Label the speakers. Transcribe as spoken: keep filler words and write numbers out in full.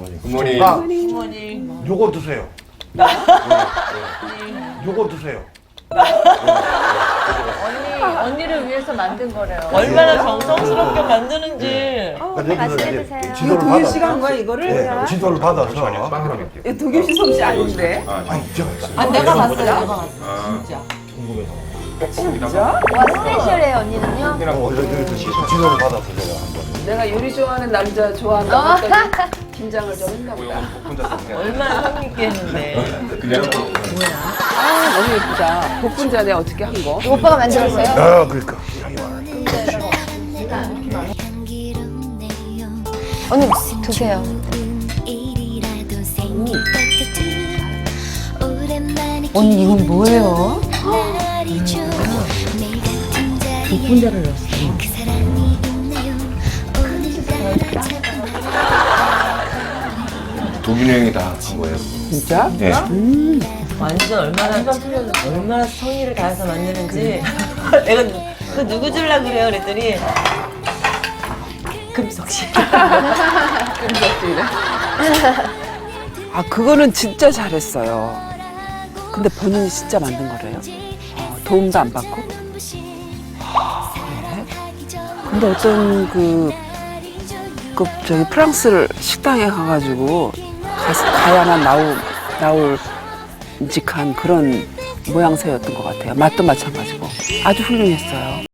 Speaker 1: 굿모닝.
Speaker 2: 굿모닝.
Speaker 1: 아,
Speaker 3: 굿모닝.
Speaker 1: 요거 드세요. 요거 드세요.
Speaker 4: 언니, 언니를 위해서 만든 거래요.
Speaker 3: 얼마나 정성스럽게 만드는지.
Speaker 4: 맛있게 드세요.
Speaker 1: 지도를
Speaker 5: 동현
Speaker 1: 받아서.
Speaker 5: 씨가 한 거야 이거를?
Speaker 1: 네, 지도를 받아서.
Speaker 2: 빵 하나 먹게요.
Speaker 5: 이거 동현 씨 솜씨 아닌데?
Speaker 1: 아니, 제가 했어요.
Speaker 3: 아, 내가 봤어요. 내가 봤어.
Speaker 2: 아,
Speaker 3: 진짜.
Speaker 2: 진짜?
Speaker 4: 와, 스페셜해요, 언니는요?
Speaker 1: 어, 저, 저, 저, 지도를 받아서 제가 한번.
Speaker 5: 내가 요리 좋아하는 남자 좋아한다고 했더니 긴장을 좀 했나 보다.
Speaker 2: 혼자 썼어요.
Speaker 3: 얼마나 성의있게 했는데.
Speaker 2: 그냥
Speaker 5: 아 너무 예쁘다. 복분자 내가 어떻게 한 거?
Speaker 4: 이거 오빠가 만들었어요?
Speaker 1: 아, 그러니까.
Speaker 4: 언니, 드세요.
Speaker 6: 언니 이건 뭐예요? 복분자를 넣었어.
Speaker 2: 독일 여행이 다 한 거예요.
Speaker 5: 진짜?
Speaker 2: 네.
Speaker 3: 완전 얼마나 얼마나 성의를 다해서 만드는지. 내가 누- 그 누구 줄라 그래요? 그랬더니 금석 씨.
Speaker 5: 끔찍이네. 아 그거는 진짜 잘했어요. 근데 본인이 진짜 만든 거래요. 어, 도움도 안 받고. 아, 그래? 근데 어떤 그, 그 저기 프랑스 식당에 가가지고 가, 가야만 나올 나올 직한 그런 모양새였던 것 같아요. 맛도 마찬가지고 아주 훌륭했어요.